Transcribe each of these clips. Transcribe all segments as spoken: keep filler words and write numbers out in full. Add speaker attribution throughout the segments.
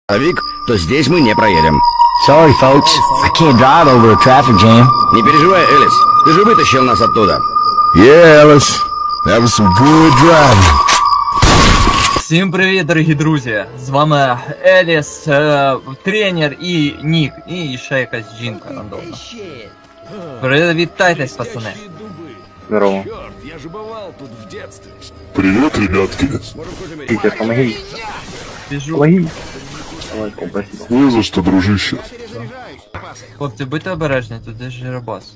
Speaker 1: Вик, то здесь мы не проедем.
Speaker 2: Sorry, folks. I can't drive over a traffic jam.
Speaker 1: Не переживай, Элис. Ты же вытащил нас оттуда.
Speaker 3: Yeah, Alice. That was some good driving.
Speaker 4: Всім привіт, дорогі друзі! З вами Еліс, е, тренер і Нік, і ще якась жінка рандомна. Привітайтесь, пацани.
Speaker 5: Здорово.
Speaker 1: Я же бывал тут в детстве.
Speaker 3: Привет, ребятки.
Speaker 5: Питер, помоги.
Speaker 4: Біжу.
Speaker 5: Помоги. Давай, о, спасибо.
Speaker 3: Не за что, дружище.
Speaker 4: Хлопці, будьте обережні, тут десь Жиробас.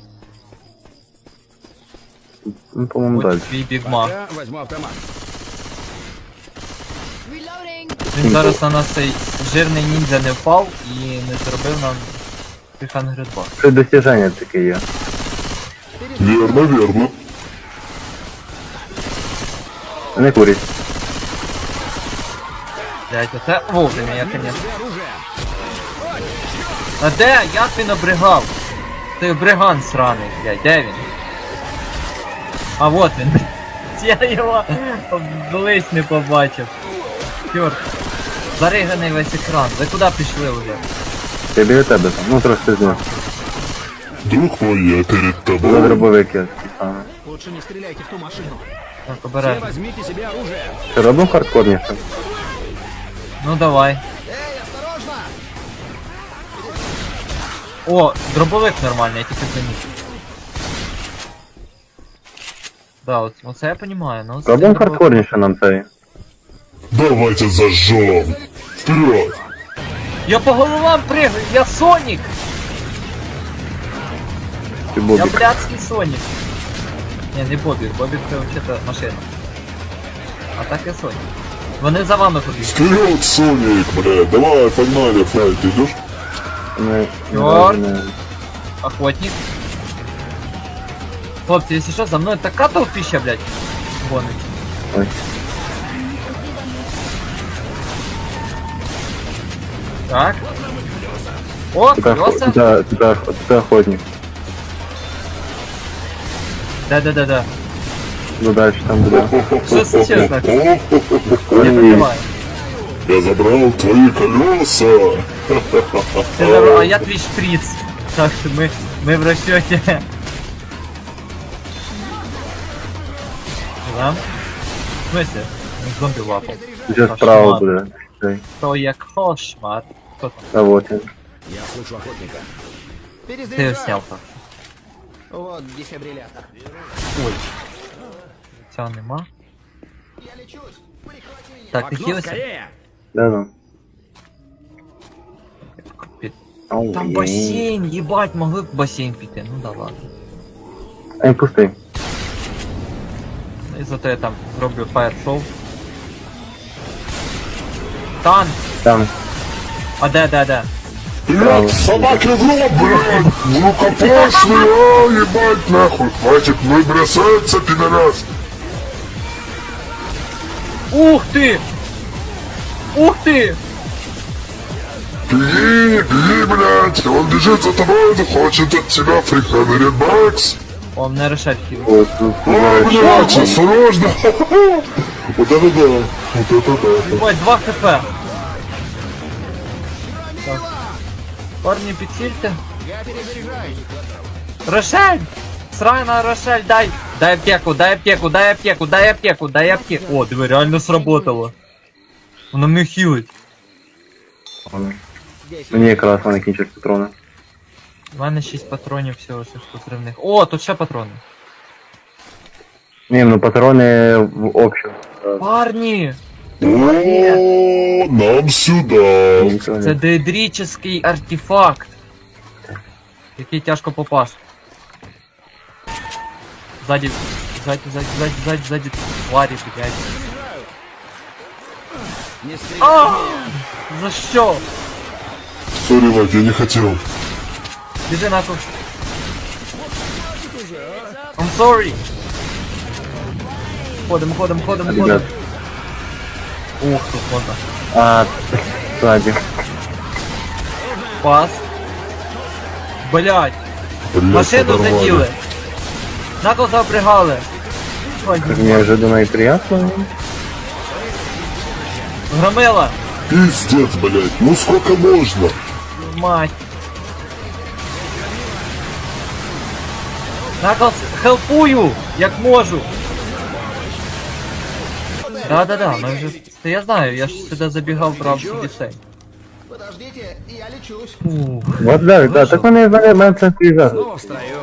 Speaker 5: Ну, по-моему,
Speaker 4: Ось
Speaker 5: дальше.
Speaker 4: твій бігмак.
Speaker 1: Я возьму автомат.
Speaker 4: Він зараз на нас цей жирний ніндзя не впав і не зробив нам Cliffhanger два.
Speaker 5: Це достиження таке є.
Speaker 3: Верно, верно.
Speaker 5: Не курить.
Speaker 4: Блять, оце вовремя, я, конечно. А де? Як він обригав? Ти бриган сраний, блядь, де він? А вот він. Я його близь не побачив. Чорт. Зариганий весь екран. Ви куди пішли вже?
Speaker 5: Я біля тебе там, ну трошки знизу.
Speaker 3: Друг мой, я перед
Speaker 5: За
Speaker 3: тобой.
Speaker 5: дробовик я такий саме.
Speaker 1: Лучше не стреляйте в ту машину.
Speaker 4: Так,
Speaker 1: Все
Speaker 4: обережно.
Speaker 1: возьмите себе оружие.
Speaker 5: Що робимо хардкорніше?
Speaker 4: Ну давай. О, дробовик нормальний, я тільки замітив. Да, от, оце я понимаю, ну...
Speaker 5: Робимо
Speaker 4: дробовик-
Speaker 5: хардкорніше нам цей.
Speaker 3: Давайте зажжем. Вперед.
Speaker 4: Я по головам прыгаю, я Сонік!
Speaker 5: Ти
Speaker 4: Я
Speaker 5: Бобік.
Speaker 4: блядський Сонік. Ні, не Бобік, Бобік це взагалі машина. А так я Сонік. Вони за вами ходять.
Speaker 3: Вперед, Соник, блядь. Давай, погнали, Фрай, ты идешь?
Speaker 5: Не,
Speaker 4: Чорт.
Speaker 5: не, не.
Speaker 4: Охотник. Хлопці, якщо що, за мною така толпища, блядь, гонить.
Speaker 5: Ой.
Speaker 4: Так. О,
Speaker 5: Тут, охо-
Speaker 4: колеса.
Speaker 5: тут, ох- тут, ох- тут охотник.
Speaker 4: Да-да-да-да.
Speaker 5: Ну дальше там буде.
Speaker 4: Что случилось, Макс? Не
Speaker 5: Ой,
Speaker 4: понимаю.
Speaker 3: Я забрал твои колеса.
Speaker 4: Ты забрал, а я твій шприц. Так что мы, мы в расчете. Да? В смысле? Зомби лапал.
Speaker 5: Сейчас справа буде. Цей.
Speaker 4: То як кошмар. Кто там?
Speaker 5: А вот він.
Speaker 1: Я слышу охотника.
Speaker 4: Ты его снял так.
Speaker 1: Вот дефибриллятор.
Speaker 4: Ой. Ця нема. Так, ти
Speaker 1: Окно
Speaker 4: хилися?
Speaker 1: скорее.
Speaker 5: Да, да. Ау,
Speaker 4: Там
Speaker 5: є.
Speaker 4: бассейн, ебать, могли б в бассейн піти. Ну да ладно.
Speaker 5: А він пустий.
Speaker 4: І зато я там зроблю фаєр-шоу. Танк!
Speaker 5: Там.
Speaker 4: А де, де, де?
Speaker 3: Блядь, собаки в рот, блядь. Рукопашный, а, ебать, нахуй. Хватит мной бросаться, пидорас.
Speaker 4: Ух ти! Ух ти!
Speaker 3: Беги, беги, блядь. Он бежит за тобой, он хочет от тебя фрикаверит бакс.
Speaker 4: О, мене решать хіл.
Speaker 5: От тут.
Speaker 3: О, блядь, осторожно. Вот это да, вот это да.
Speaker 4: Ебать, два хп. Так. Парни, підсільте. Рошель! Срана, Рошель, дай! Дай аптеку, дай аптеку, дай аптеку, дай аптеку, дай аптеку. О, диви, реально сработало. Вона мене хілить.
Speaker 5: Мені якраз вони кінчать патрони.
Speaker 4: У мене шість патронів всього, що позривних. О, тут ще патрони.
Speaker 5: Ні, ну патрони в общем.
Speaker 4: Парні!
Speaker 3: О, нам сюда.
Speaker 5: Нічого
Speaker 4: Це
Speaker 5: не.
Speaker 4: деедрический артефакт, який тяжко попасти. Ззаді, ззаді, ззаді, ззаді, ззаді, ззаді, тварі, блядь.
Speaker 1: Не стреляй.
Speaker 4: А! За що?
Speaker 3: Сори, Вать, я не хотел.
Speaker 4: Біжи нахуй. I'm sorry. Ходим, ходим, ходим, ходим.
Speaker 5: Ребят.
Speaker 4: Ух, тут можна.
Speaker 5: А, ззаді.
Speaker 4: Пас. Блядь,
Speaker 3: Блядь,
Speaker 4: машину
Speaker 3: подорвали.
Speaker 4: заділи. Накол запрягали.
Speaker 5: Как неожиданно и приятно.
Speaker 4: Громила,
Speaker 3: Пиздец, блядь, ну сколько можно?
Speaker 4: Мать. Наклз, хелпую, як можу. Да-да-да, ми вже... Та я знаю, я ж сюди забігав, брав собі сей.
Speaker 1: Подождите, я лечусь.
Speaker 4: Ух.
Speaker 5: Вот да, да, так вони в мене централізація.
Speaker 1: Снова в строю.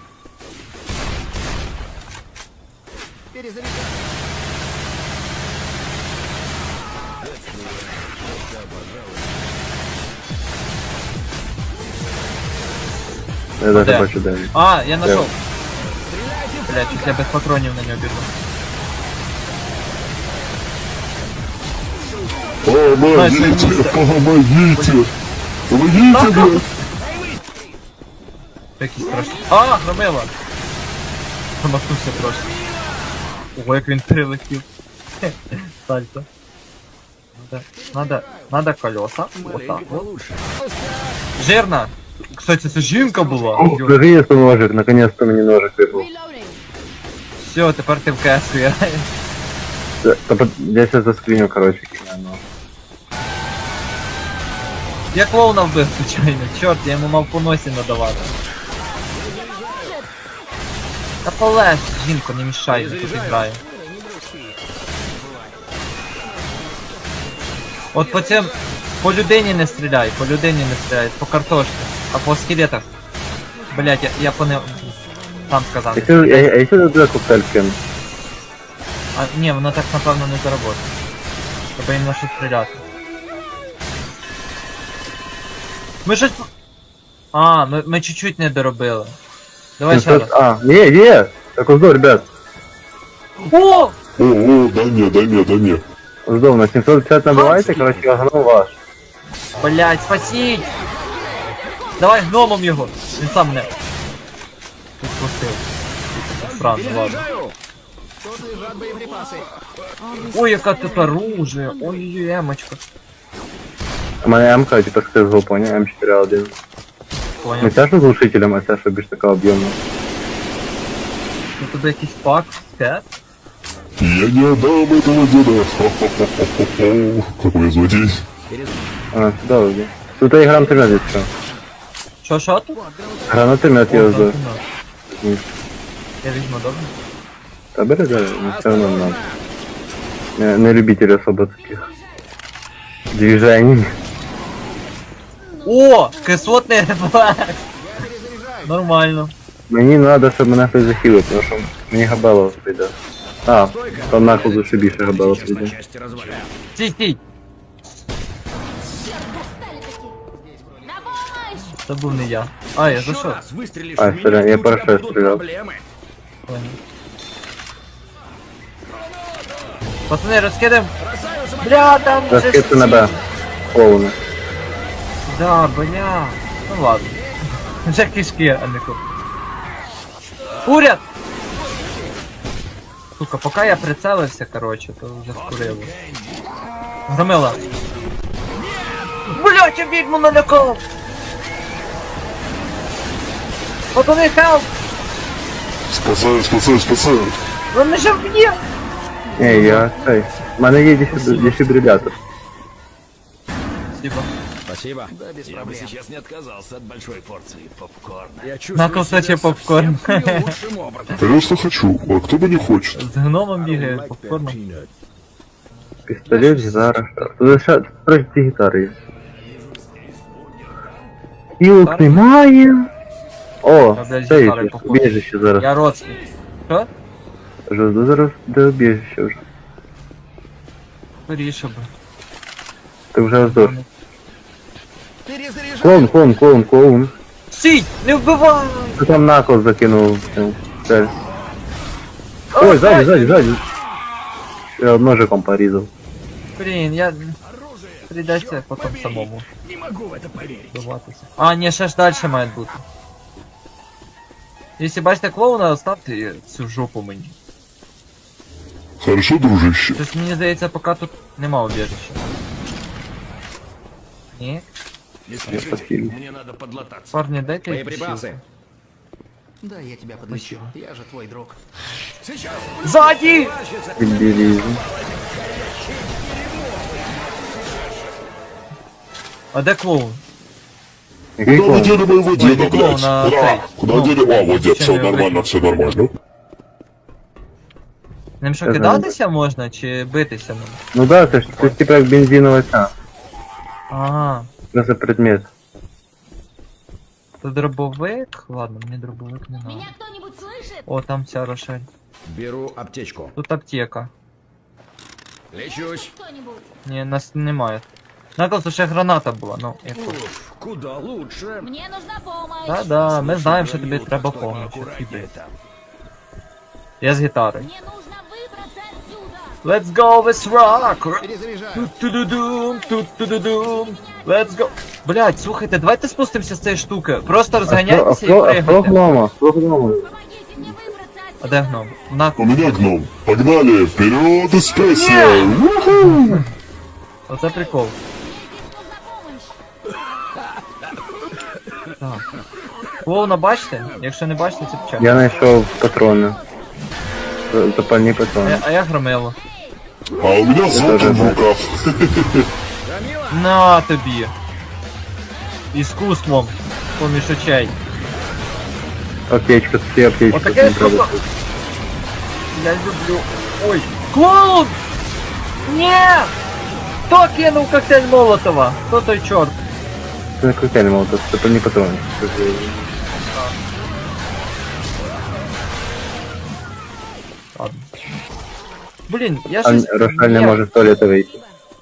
Speaker 1: Перезаряжай.
Speaker 5: Я даже
Speaker 4: Де?
Speaker 5: бачу, де він.
Speaker 4: А, я нашел. Блять, чуть я без патронів на нього біжу.
Speaker 3: Помогите, помогите! Помогите, блядь!
Speaker 4: Який страшний. А, громила! Промахнувся просто. Ого, як він прилетів. Хе, Сальто. Надо, надо, надо колеса. Вот так вот.
Speaker 1: Получше.
Speaker 4: Жирна! Кстати, це жінка була.
Speaker 5: О, наконец-то ножик, наконец-то мені ножик випав.
Speaker 4: Все, тепер ти в КС граєш.
Speaker 5: Та- Та под- я сейчас заскріню, короче, кину. ну.
Speaker 4: Я клоуна вбив, звичайно. Чорт, я йому мав по носі надавати. Та полеж, жінко, не мішай, я тут граю. От по цим... По людині не стріляй, по людині не стріляй, по картошці, а по скелетах. Блять, я, я по не... Там сказав.
Speaker 5: Якщо, а, а якщо туди коктейль кину?
Speaker 4: А, ні, воно так напевно не заработає. Треба їм на що стріляти. Ми щось... А, ми, ми чуть-чуть не доробили. Давай ще раз.
Speaker 5: А, є, є! Так ось до, ребят.
Speaker 4: О!
Speaker 3: О, о, да не, да не, да не.
Speaker 5: Здов, на сімсот п'ятдесят набивайте, короче, я гном ваш.
Speaker 4: Блять, спасіть! Давай гномом його! Він сам мене. Тут пустив. Странно, ладно.
Speaker 1: Перезаряжаю. Тут лежат боеприпасы.
Speaker 4: Ой, яка тут оружие! Ой-ой-ой, емочка.
Speaker 5: У мене М-ка, типа, з згопу, не? М чотири один. Не
Speaker 4: Понял.
Speaker 5: ця що з глушителем, а ця що більш така об'ємна.
Speaker 4: Тут туди якийсь пак, скет.
Speaker 3: Я не отдам этого деда. Хо-хо-хо-хо-хо. Какой злодей.
Speaker 5: А, сюди вроді. Тут і гранатомет є що.
Speaker 4: Що, що тут?
Speaker 5: Гранатомет є
Speaker 4: О,
Speaker 5: здов.
Speaker 4: гранатомет. Я візьму, добре?
Speaker 5: Та бери, бери, не все равно надо. Не, не любитель особо таких движений.
Speaker 4: О! Кислотний рефлекс! Нормально.
Speaker 5: Мені надо, щоб мене хтось захилив, тому що мені габело прийде. А, там накладу ще більше габело
Speaker 1: Сейчас по
Speaker 5: прийде.
Speaker 1: части разваляю.
Speaker 4: Стій, стій! Це був не я. А, я
Speaker 1: Еще
Speaker 4: зайшов.
Speaker 1: раз выстрелишь
Speaker 5: А,
Speaker 1: в меня,
Speaker 5: сорян,
Speaker 1: и
Speaker 5: я
Speaker 1: у тебя
Speaker 5: парашют
Speaker 1: будут
Speaker 5: стрелял.
Speaker 1: проблемы.
Speaker 4: Понял. Пацани, розкидаємо. Бля, там вже
Speaker 5: Розкидки на
Speaker 4: всі.
Speaker 5: Б. Повне.
Speaker 4: Да, бля. Ну ладно. Вже кишки, а не ку. Уряд! Сука, поки я прицелився, короче, то вже скурило. Громила. Блять, я відьму налякав! Пацани, хелп!
Speaker 3: Спасаю, спасаю, спасаю.
Speaker 4: Він мене ще вб'є!
Speaker 5: Ні, я цей. У мене є дефіб- дефібрилятор.
Speaker 4: Спасибо.
Speaker 1: Спасибо. Да, без проблем. сейчас не отказался от большой порции попкорна. Я чувствую
Speaker 4: На кусочек
Speaker 1: себя
Speaker 4: попкорн.
Speaker 1: совсем лучшим образом.
Speaker 3: Конечно хочу, а кто бы не хочет.
Speaker 4: З гномом бігає, попкорном.
Speaker 5: Пістолет, гітара. Тут ще трохи ці гітари є. Пілок немає. О,
Speaker 4: Я, блядь,
Speaker 5: це
Speaker 4: гітари
Speaker 5: є.
Speaker 4: походу.
Speaker 5: Убіжище зараз.
Speaker 4: Я родственник. Що?
Speaker 5: Жду зараз де убіжище вже.
Speaker 4: Скоріше би.
Speaker 5: Ти вже здох.
Speaker 1: Перезаряжаю.
Speaker 5: Клоун, клоун, клоун, клоун.
Speaker 4: Стій! Не вбивай!
Speaker 5: Ти там накол закинув. в цель. Ой, сзади, сзади, сзади. Я ножиком порізав.
Speaker 4: Блін, я... Придеться потім самому
Speaker 1: Не могу в это поверить.
Speaker 4: вбиватися. А, ні, ще ж далі має бути. Якщо бачите клоуна, оставте цю жопу мені.
Speaker 3: Хорошо, дружище.
Speaker 4: Щось мені здається, поки тут нема убіжища. Ні?
Speaker 1: Не
Speaker 5: спешите,
Speaker 3: спасибо.
Speaker 1: мне надо подлататься.
Speaker 4: Парні, дайте
Speaker 1: Боеприпасы. Да, я тебя подлечу. Я же твой друг. Сейчас.
Speaker 4: Ззаді!
Speaker 5: Дебілізм.
Speaker 4: А де клоун?
Speaker 5: Який
Speaker 3: Куда вы
Speaker 5: клоун?
Speaker 3: дели моего
Speaker 4: Ой,
Speaker 3: деда,
Speaker 4: не клоун,
Speaker 3: блядь?
Speaker 4: а
Speaker 3: Да,
Speaker 4: цей.
Speaker 3: куда
Speaker 4: Ну,
Speaker 3: дели? А, вот дед,
Speaker 4: чем
Speaker 3: все
Speaker 4: я
Speaker 3: нормально,
Speaker 4: выйду?
Speaker 3: все нормально.
Speaker 4: Ним що
Speaker 5: Я
Speaker 4: кидатися можна, чи битися можна?
Speaker 5: Ну да, це ж це ж типа як бензинова ця.
Speaker 4: Ага.
Speaker 5: Це за предмет.
Speaker 4: Тут дробовик? Ладно, мені дробовик не надо.
Speaker 6: Меня кто-нибудь слышит?
Speaker 4: О, там ця Рошель.
Speaker 1: Беру аптечку.
Speaker 4: Тут аптека.
Speaker 1: Лечусь.
Speaker 6: Кто-нибудь?
Speaker 4: Ні, нас немає. Наклз, ще граната була, ну, яку.
Speaker 1: Уф, куда лучше.
Speaker 6: Мне нужна помощь.
Speaker 4: Да-да, ми знаємо, що тобі
Speaker 1: Говорю,
Speaker 4: треба
Speaker 1: что
Speaker 4: помочь.
Speaker 1: поаккуратнее там.
Speaker 4: Я з гітарою.
Speaker 6: Мне нужно выбраться отсюда.
Speaker 4: Let's go, let's rock!
Speaker 1: Перезаряжаю.
Speaker 4: Тут-ту-ду-дум, тут-ту-ду-дум. Let's go! Блять, слухайте, давайте спустимося з цієї штуки. Просто
Speaker 5: А
Speaker 4: розганяйтеся і
Speaker 5: хто, а хто
Speaker 4: пригайте.
Speaker 5: гнома? Хто гнома?
Speaker 6: Помогите мне выбраться
Speaker 4: А
Speaker 6: отсюда.
Speaker 4: де гном? На...
Speaker 3: У меня гном. Погнали, вперед из песни! Уху!
Speaker 4: Оце прикол.
Speaker 6: Мне нужна помощь.
Speaker 4: Так. Клоуна бачите? Якщо не бачите, це пчак.
Speaker 5: Я знайшов патрони. З- Запальні
Speaker 4: А,
Speaker 5: патрони.
Speaker 4: я- а я громило.
Speaker 3: А у меня золото в руках.
Speaker 4: На тобі. Іскусством. Поміж очей.
Speaker 5: Аптечка, всі аптечки.
Speaker 4: Отаке
Speaker 5: не треба.
Speaker 4: штука. Я люблю. Ой. Клоун! Ні! Хто кинув коктейль Молотова? Хто той чорт?
Speaker 5: Це не коктейль молотов, це запальні патрони. Це ж-
Speaker 4: Ладно. Блін, я
Speaker 5: А
Speaker 4: щось...
Speaker 5: Рошаль не
Speaker 4: Ні.
Speaker 5: може з туалету вийти.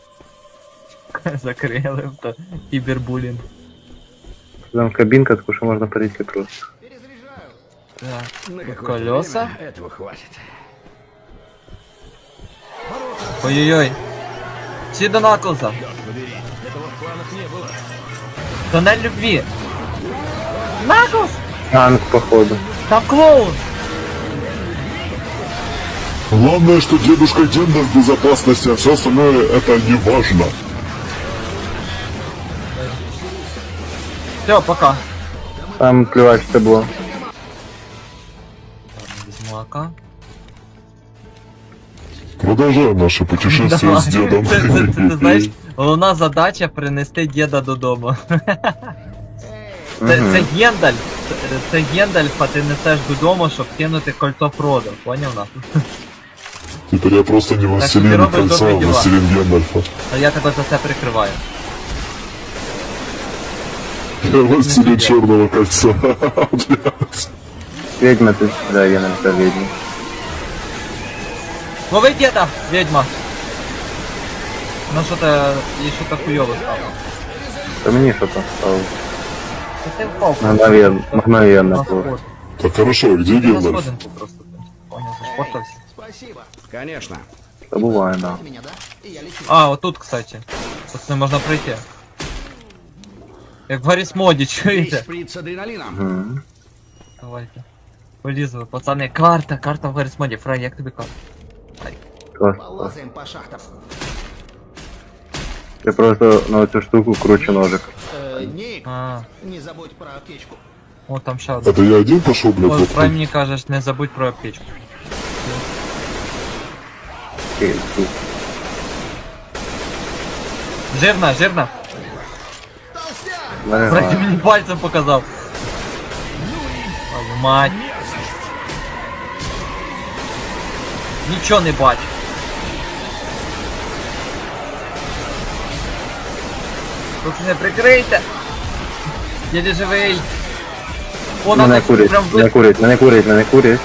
Speaker 4: Закрили, то кібербулінг.
Speaker 5: Там кабінка, таку що можна перейти просто.
Speaker 1: Перезаряжаю.
Speaker 4: Так.
Speaker 1: На
Speaker 4: Тут
Speaker 1: какое-то
Speaker 4: колеса.
Speaker 1: время этого хватит.
Speaker 4: Ой-ой-ой. Всі до Наклза.
Speaker 1: Побери. Этого в планах не было.
Speaker 4: Тоннель любві. Наклз!
Speaker 5: Танк, походу.
Speaker 4: Там клоун!
Speaker 3: Главное, что дедушка Гендер в безопасности, а все остальное это не важно.
Speaker 4: Все, пока.
Speaker 5: Там плювач це було.
Speaker 4: Візьму АК.
Speaker 3: Продолжаем наше путешествие
Speaker 4: Давай.
Speaker 3: с дедом.
Speaker 4: Це, це, це, ти знаєш, головна задача принести діда додому. Це, це Гендаль. Це, це Гендальфа ти несеш додому, щоб кинути кольцо Фродо. Поняв нахуй?
Speaker 3: Теперь я просто не
Speaker 4: Так,
Speaker 3: властелин
Speaker 4: ты робишь
Speaker 3: кольца, а
Speaker 4: добрые дела.
Speaker 3: властелин Гендальфа.
Speaker 4: А я тебе за це прикриваю.
Speaker 3: Я властелин черного кольца. Блядь.
Speaker 5: Ведьма тут, да, я написав ведьма.
Speaker 4: Лови діда, ведьма! Ну що то і що то хуйово стало.
Speaker 5: Та мені що там стало?
Speaker 4: Та ти впав.
Speaker 5: Мгновенно,
Speaker 4: На
Speaker 5: мгновенно.
Speaker 4: сход.
Speaker 3: Так хорошо, где
Speaker 4: На
Speaker 3: Гендальф?
Speaker 4: сходинку просто. Понял, зашпортався.
Speaker 1: Спасибо. Конечно.
Speaker 5: Та буває, да.
Speaker 1: Меня, да? И я лечу.
Speaker 4: А, вот тут, кстати. Тут не можна пройти. Як в Гарріс моді,
Speaker 1: Есть
Speaker 4: чуєте?
Speaker 1: шприц с адреналином.
Speaker 5: Мгм.
Speaker 4: Давайте. Полізли, пацани. Карта, карта в Гарріс моді. Фрай, як тобі карта?
Speaker 5: Клас, клас.
Speaker 1: Полазаем по шахтам.
Speaker 5: Я просто на цю штуку кручу ножик.
Speaker 1: Э, Ник,
Speaker 4: А,
Speaker 1: не забудь про аптечку.
Speaker 4: о, там ще один.
Speaker 3: Это я один пошел, блядь,
Speaker 4: Ой,
Speaker 3: вот
Speaker 4: Фрай мені кажеш, не забудь про аптечку.
Speaker 5: Окей, тут.
Speaker 4: Жирна, жирна.
Speaker 5: Мене
Speaker 4: Фрай, ти
Speaker 5: знає.
Speaker 4: мені пальцем показав. Твою мать. Нічого не бачу. Тут не прикрийте. Єлі живий. О,
Speaker 5: Мене
Speaker 4: надо
Speaker 5: курить,
Speaker 4: прям
Speaker 5: мене
Speaker 4: ви...
Speaker 5: курить, мене курить, мене курить.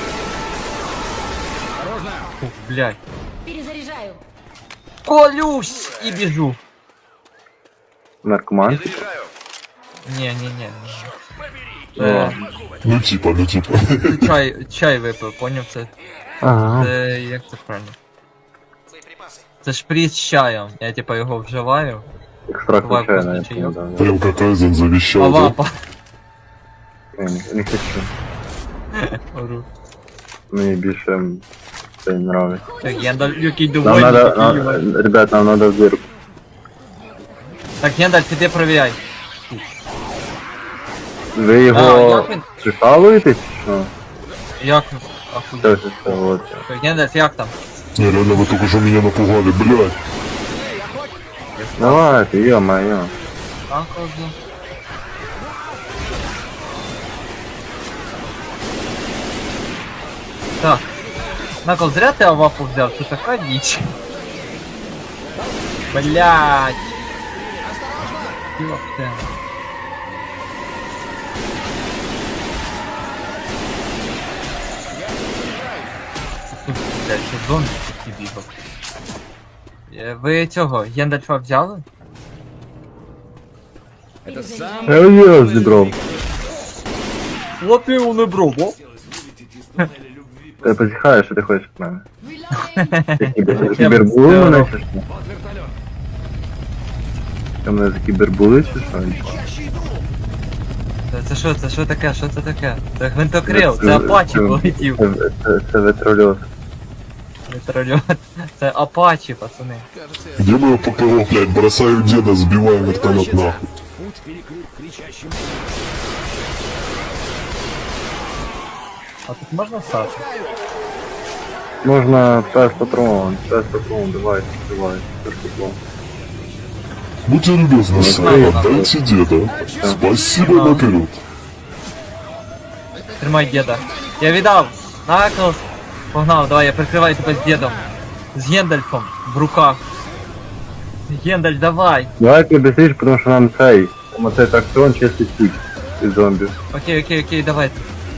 Speaker 4: Фу, блядь.
Speaker 6: Перезаряжаю.
Speaker 4: Колюсь і біжу.
Speaker 5: Наркоман.
Speaker 4: Ні, ні, ні.
Speaker 5: О.
Speaker 3: Ну типа, ну типа.
Speaker 4: Чай, чай випив, поняв це?
Speaker 5: Ага.
Speaker 4: Це як це правильно?
Speaker 1: Боеприпасы.
Speaker 4: Це шприц з чаєм. Я типа його вживаю.
Speaker 5: Екстракт
Speaker 4: Буває
Speaker 5: чаю,
Speaker 4: вкусний
Speaker 5: навіть.
Speaker 4: чайок.
Speaker 5: Да, да.
Speaker 3: Прям как Айзен
Speaker 4: А
Speaker 3: завещал, да?
Speaker 4: вапа.
Speaker 5: Я не, не хочу.
Speaker 4: Ору.
Speaker 5: Мені більше м, це не нравиться.
Speaker 4: Так, Гендаль, який
Speaker 5: Нам
Speaker 4: довольний,
Speaker 5: надо,
Speaker 4: такий,
Speaker 5: нам,
Speaker 4: Юра.
Speaker 5: ребят, нам надо в дырку.
Speaker 4: Так, Гендаль, іди провіряй.
Speaker 5: Ви
Speaker 4: А,
Speaker 5: його
Speaker 4: як він?
Speaker 5: прикалуєтесь? Що?
Speaker 4: Як?
Speaker 5: Це
Speaker 4: Ахуй.
Speaker 5: ж це от.
Speaker 4: Так, Гендаль, як там?
Speaker 3: Не, реально вы только что меня напугали, блядь.
Speaker 5: Давайте, ё-моё.
Speaker 4: Наклзу. Так. Накл, зря ты авапу взял, це така дичь. Блять. Ёпта. Тут, блядь, ще зомбі такі бігав. Е, Ви цього, Єндальфа взяли?
Speaker 1: Это сам...
Speaker 5: Я ее зібрав.
Speaker 4: От я його не брав, о?
Speaker 5: Ти позіхаєш, що ти хочеш від мене?
Speaker 6: Reloading.
Speaker 5: Ти кібербули
Speaker 4: Я
Speaker 5: мене
Speaker 4: б-
Speaker 5: чи що? Ти мене за кібербули чи що?
Speaker 4: Це, це що, це що таке, що це таке? Це гвинтокрил, це Апачі полетів.
Speaker 5: Це, це, це ветрольот.
Speaker 4: Вертольот. Це Апачі, пацани.
Speaker 1: Кажется,
Speaker 3: Где мое ППО, блядь? Бросаю деда, сбиваю вертолет нахуй.
Speaker 4: А тут можна стати?
Speaker 5: Можна пес патрон, пес патрон, давай, давай, пес патрон.
Speaker 3: Будьте любезны, сэр, отдайте деда. Спасибо наперед.
Speaker 4: Тримай деда. Я віддав. Наклз. Погнав, давай, я прикриваю тебе з дедом. З Гендальфом в руках. Гендальф, давай.
Speaker 5: Давай ти быстріше, тому що нам цей, там оцей трактор чистить путь із зомбі.
Speaker 4: Окей, окей, окей, давай.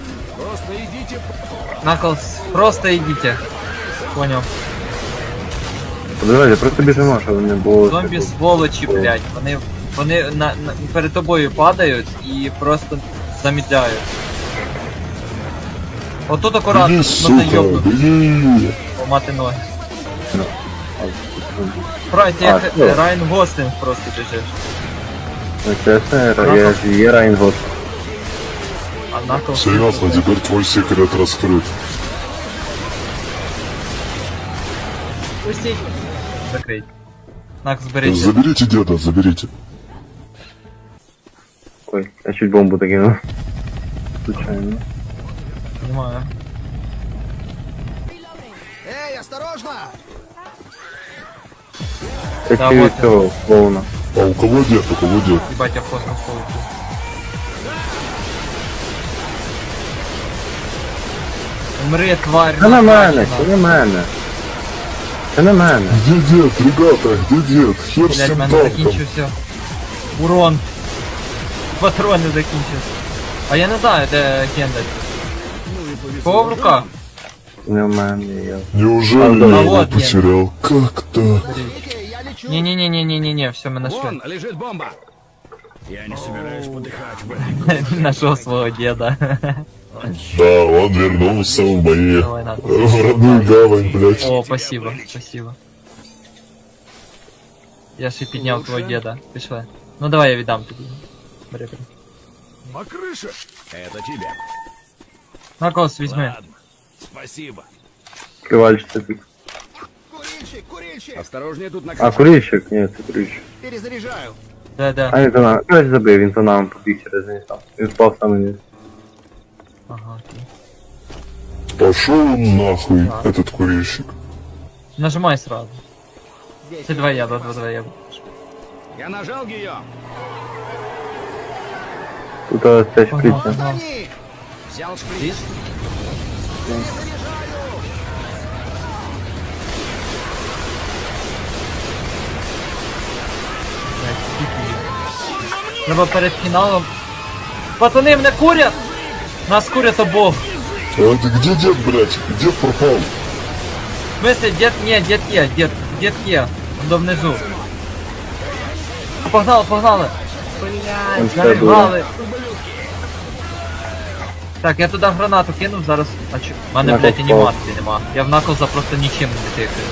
Speaker 4: Наклз, просто идите. Понял.
Speaker 5: Подивіться, просто біжимо, щоб не було...
Speaker 4: Зомбі сволочі, блядь. Вони, вони на, на, перед тобою падають і просто замідляють. Отут акуратно,
Speaker 3: Беги,
Speaker 4: можна
Speaker 3: сука,
Speaker 4: йобнути,
Speaker 3: беги.
Speaker 4: помати ноги. Прайд, ти
Speaker 5: А,
Speaker 4: як
Speaker 5: що?
Speaker 4: Райан Гослінг просто біжиш.
Speaker 5: Ну чесно, я ж є Райнгот.
Speaker 4: А Наклз...
Speaker 3: Серьезно, теперь твой секрет раскрыт.
Speaker 4: Пустіть. Закрить. Наклз, беріть.
Speaker 3: Заберите деда, заберите.
Speaker 5: Ой, я чуть бомбу докинув. Случайно.
Speaker 4: Понимаю.
Speaker 1: Эй, осторожно!
Speaker 5: Я
Speaker 4: Да,
Speaker 5: чую
Speaker 4: вот
Speaker 5: цього клоуна.
Speaker 3: А у кого дед, у кого дед?
Speaker 4: Ебать, я в космос полетів. Умри, тварь.
Speaker 5: Це на мене,
Speaker 4: накачана.
Speaker 5: це на мене. Це на мене.
Speaker 3: Где дед, ребята, где дед? Хер с
Speaker 4: Блять, в
Speaker 3: тем
Speaker 4: мене
Speaker 3: танком.
Speaker 4: закінчився. Урон. Патрони закінчився. А я не знаю, де Гендальф. Кого в руках?
Speaker 5: Не в мене, я.
Speaker 3: Неужели
Speaker 5: А,
Speaker 3: я
Speaker 5: да.
Speaker 3: его
Speaker 4: вот дед.
Speaker 3: потерял? Как-то.
Speaker 1: Видите, я лечу.
Speaker 4: Не-не-не-не-не-не, все, мы нашли.
Speaker 1: Вон лежит бомба. Я не собираюсь подыхать в этой...
Speaker 4: Нашел своего деда.
Speaker 3: Да, он вернулся в мои...
Speaker 4: Давай, на.
Speaker 3: в родную гавань, блядь.
Speaker 4: О, спасибо, спасибо. Я ще підняв твого деда. Пішли. Ну давай я віддам тобі. Бери, бери.
Speaker 7: Макрыша? Это тебе.
Speaker 4: На кос візьми.
Speaker 7: Ладно. Спасибо.
Speaker 5: Кривальчик такий.
Speaker 1: Курильщик, курильщик!
Speaker 7: Осторожнее тут на
Speaker 5: А, курильщик? Ні, це курильщик.
Speaker 1: Перезаряжаю.
Speaker 4: Де, де?
Speaker 5: А він за нами. Короче, забив, він за нами побіг через низ там. Він впав саме вниз.
Speaker 4: Ага, окей.
Speaker 3: Пошел он нахуй, этот курильщик.
Speaker 4: Нажимай сразу.
Speaker 1: Здесь.
Speaker 4: Це два я, два, два, два я.
Speaker 1: Я нажал ее.
Speaker 5: Тут ось ця
Speaker 4: Погнал,
Speaker 5: шприця.
Speaker 4: погнал.
Speaker 1: Они! Взял шприц.
Speaker 4: Блядь, скільки їх. Треба перед фіналом. Пацани, мене курять! Нас курять обох.
Speaker 3: А ты где дед, блядь? Дед пропал.
Speaker 4: В смысле, дед, не, дед є, дед, дед є. Он до внизу. Погнали, погнали.
Speaker 5: Он
Speaker 4: Блядь,
Speaker 5: все
Speaker 4: заригали. Так, я туди гранату кинув, зараз. А чо? У мене,
Speaker 5: Накл
Speaker 4: блядь,
Speaker 5: впав.
Speaker 4: анімації нема. Я в Наклза просто нічим не тикаю.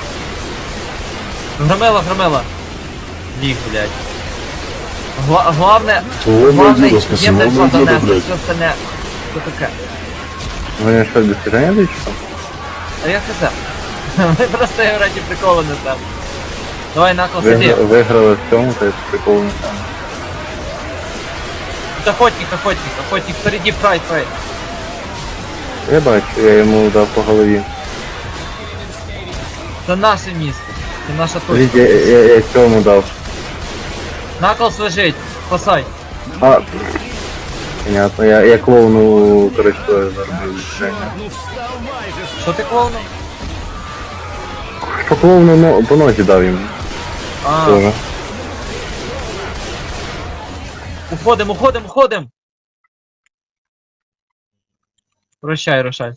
Speaker 4: Громела, громела. Ліг, блядь. Гла главне,
Speaker 3: Главное
Speaker 4: главне,
Speaker 3: деда, спаси,
Speaker 4: їм не
Speaker 3: главное деда,
Speaker 4: занести,
Speaker 3: блядь.
Speaker 4: все остальне. Що таке?
Speaker 5: Вони що, достиження дають? що?
Speaker 4: А я хз. Ми просто його раді приколу не там. Давай, Наклз,
Speaker 5: Ви,
Speaker 4: іди.
Speaker 5: виграли в цьому, то є прикол не там.
Speaker 4: Тут охотник, охотник, охотник, впереди прайд, прайд.
Speaker 5: Я бачу, я йому дав по голові.
Speaker 4: Це наше місце. Це наша
Speaker 5: Видите,
Speaker 4: точка.
Speaker 5: я, я, я цьому дав.
Speaker 4: Наклз лежить, спасай.
Speaker 5: А, понятно, я, я клоуну, короче, тоже заробив движення.
Speaker 4: Що ти клоунув?
Speaker 5: По клоуну но, по нозі дав йому.
Speaker 4: А,
Speaker 5: Тоже.
Speaker 4: уходим, уходим, уходим. Прощай, Рошаль.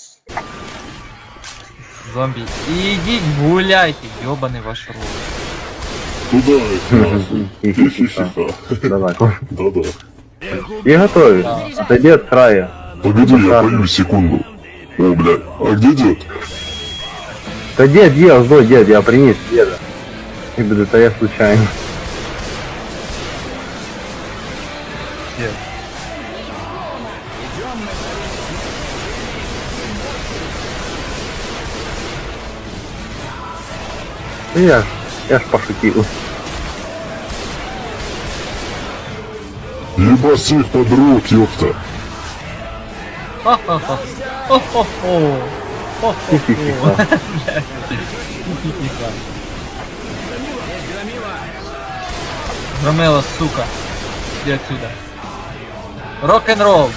Speaker 4: Зомбі. Ідіть гуляйте, йобаний ваш рот.
Speaker 3: Туда их нахуй. Хи-хи-хи-ха.
Speaker 5: Давай.
Speaker 3: Да-да.
Speaker 5: И готовить. Отойди от края.
Speaker 3: Погоди, я пою секунду. О, блядь, а где дед?
Speaker 5: Да дед, ел, сдой, дед, я принес деда. И буду, это я случайно.
Speaker 4: Є.
Speaker 5: Ну я, ж- я ж пошутил.
Speaker 3: Ебать всех подруг, ёпта.
Speaker 4: Ха-ха-ха. Хо-хо-хо. Хо-хо-хо.
Speaker 5: Хи-хи-хи-ха.
Speaker 4: Хи-хи-хи-ха. Громила, сука. Иди отсюда. Рок-н-ролл.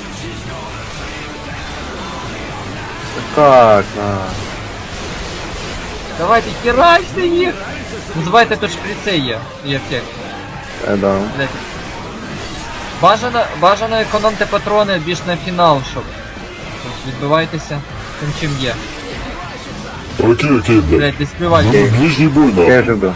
Speaker 5: Как, на.
Speaker 4: Давайте херачте їх. Називайте тут шприци є. Є аптек.
Speaker 5: Э, да.
Speaker 4: Блять. Бажано, бажано економте патрони більш на фінал, щоб. Тобто відбивайтеся тим чим є.
Speaker 3: Окей, окей, блядь.
Speaker 4: Блять, не співайте.
Speaker 3: Ну, ближний бой,
Speaker 5: Я
Speaker 3: нахуй.
Speaker 5: же был.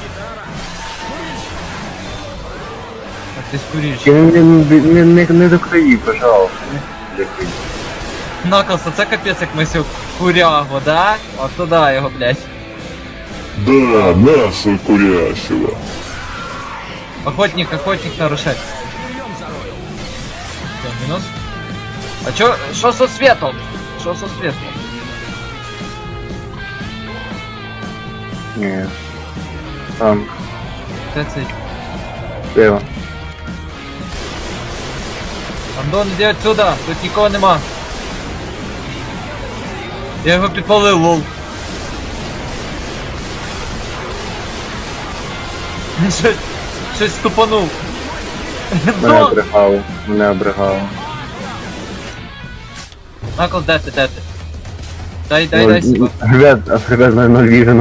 Speaker 4: Так, ти скоріш.
Speaker 5: Не, не, не, не, не до краї, пожалуйста. Не до краї.
Speaker 4: Наклса, це капець як ми сьогодні курягу, да? От туди його, блять.
Speaker 3: Да, мясо курящего.
Speaker 4: Охотник, охотник нарушать. Все, минус. А чё, что со светом? Что со светом?
Speaker 5: Не. Там,
Speaker 4: Це цей.
Speaker 5: слева.
Speaker 4: Андон, иди отсюда, тут нікого нема. Я його підпалив, лол. Щось, щось ступанув.
Speaker 5: Мене обригало, мене обригало.
Speaker 4: Наклз, де ти, де ти? Дай, дай,
Speaker 5: Ну,
Speaker 4: дай сюди.
Speaker 5: Ребят, а ребят, наверное, вижено.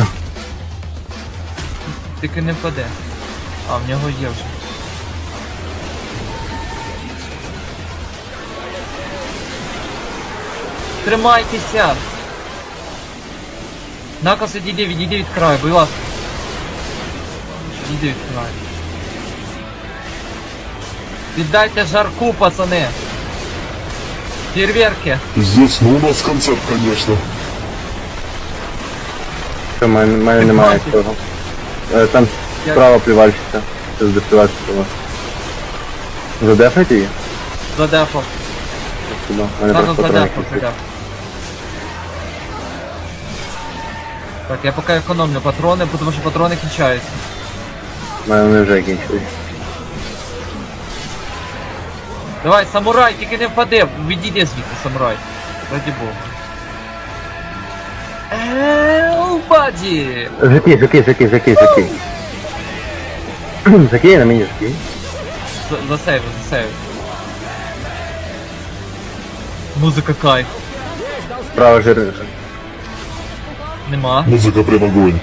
Speaker 4: Тільки не впаде. А, в нього є вже. Тримайтеся! Наклз, відійди, відійди від краю, будь ласка. Відійди від краю. Віддайте жарку, пацани! Фейерверки!
Speaker 3: Пиздец, ну у нас концерт, конечно.
Speaker 5: Що, мене, мене немає цього. Е, Там
Speaker 4: Я-
Speaker 5: справа плівальщиця. Це з плівальщиця. Задефайте її?
Speaker 4: Задефав.
Speaker 5: Сюди. Мене
Speaker 4: Наклз
Speaker 5: просто
Speaker 4: задефав,
Speaker 5: патрони
Speaker 4: задефав. Так, я поки економлю патрони, тому що патрони кінчаються.
Speaker 5: У мене вони вже кінчились.
Speaker 4: Давай, самурай, тільки не впади, відійди звідти, самурай. Раді Бога. Ееееу, баді!
Speaker 5: Закинь, закинь, закинь, закинь, закинь. Закинь на мені, закинь.
Speaker 4: За- Засейви, засейви. Музика кайф.
Speaker 5: Справа жир.
Speaker 4: Нема.
Speaker 3: Музыка прям огонь.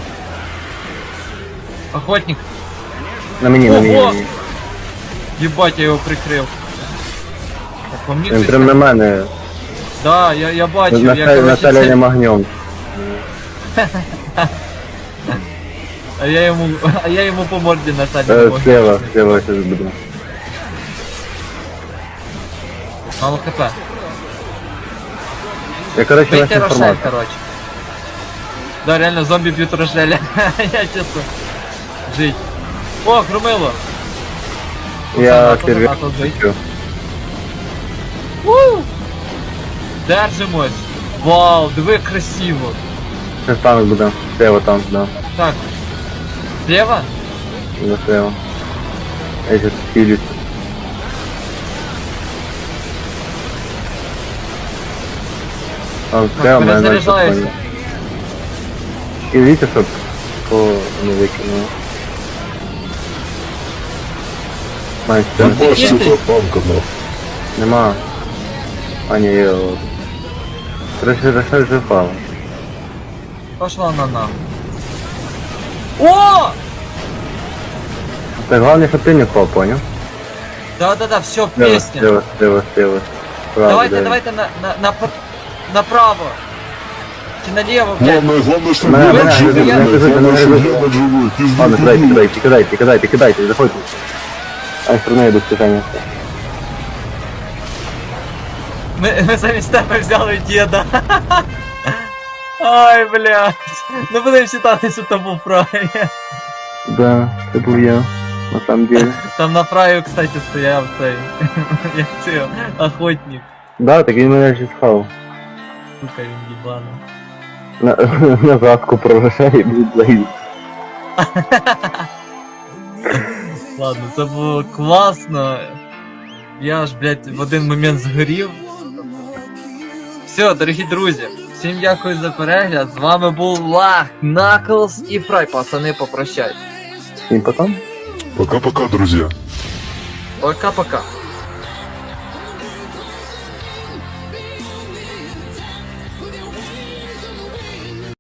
Speaker 4: Охотник.
Speaker 5: На мені, на мені, на
Speaker 4: Ого!
Speaker 5: мені.
Speaker 4: Єбать, я його прикрив. Так, по мені
Speaker 5: Він
Speaker 4: хтось
Speaker 5: прям на
Speaker 4: там-
Speaker 5: мене.
Speaker 4: Да, я, я бачив, я,
Speaker 5: Населенням
Speaker 4: короче, це...
Speaker 5: огнем.
Speaker 4: А я йому, а я йому по морді насадив.
Speaker 5: Е, Слева, слева сейчас буду.
Speaker 4: Мало хп.
Speaker 5: Я, короче,
Speaker 4: Бейте
Speaker 5: вашу
Speaker 4: Рошель,
Speaker 5: информацию.
Speaker 4: короче. Да, реально, зомби бьют Рошеля. Я честно. Жить. О, Громило.
Speaker 5: Я
Speaker 4: Наклз,
Speaker 5: первый
Speaker 4: Наклз, жить.
Speaker 5: хочу.
Speaker 4: У! Держимось. Вау, диви красиво.
Speaker 5: Сейчас танк буду. Слева танк, да.
Speaker 4: Так. Слева?
Speaker 5: Да, слева. Я сейчас силюсь. Там слева, моя ночь
Speaker 4: перезаряжаюсь.
Speaker 5: спокойно. И видите, чтоб по не выкинуло. Знаєш,
Speaker 3: Не
Speaker 5: це
Speaker 3: бачиш цього танка, нахуй.
Speaker 5: нема. А ні, є от. Короче, решай вже впало.
Speaker 4: Пошла на нахуй. О!
Speaker 5: Так головне, щоб ти не впав, поняв?
Speaker 4: Да-да-да, все,
Speaker 5: Слева,
Speaker 4: песня.
Speaker 5: слева, слева, слева. Справа,
Speaker 4: Давайте,
Speaker 5: да.
Speaker 4: давайте на, на, на, пр- направо. Чи налево, блядь.
Speaker 3: Главное, главное, что
Speaker 5: Мене,
Speaker 3: Геннадь
Speaker 5: мене,
Speaker 3: живой,
Speaker 5: мене,
Speaker 3: блядь.
Speaker 5: мене,
Speaker 3: Главное, что
Speaker 5: мене,
Speaker 3: Геннадь живой. Пизду,
Speaker 5: Ладно, кидайте,
Speaker 3: пизду.
Speaker 5: кидайте, кидайте, кидайте, кидайте, заходьте. А все одно я без питання.
Speaker 4: Ми, ми замість тебе взяли діда. Ай, блядь. Ну будемо вважати, що то був правий.
Speaker 5: Да, це був я, на самом деле.
Speaker 4: Там на праві, кстати, стояв цей. Як це, охотник.
Speaker 5: Да, так він мене ж схав.
Speaker 4: Сука, він їбаний.
Speaker 5: На, на задку прорушає і буде заїзд.
Speaker 4: Ладно, це було класно. Я ж, блядь, в один момент згорів. Все, дорогі друзі, всім дякую за перегляд. З вами був Лах, Наклз і Фрай. Пацани, попрощайтесь.
Speaker 5: І потім?
Speaker 3: Пока-пока, друзья.
Speaker 4: Пока-пока.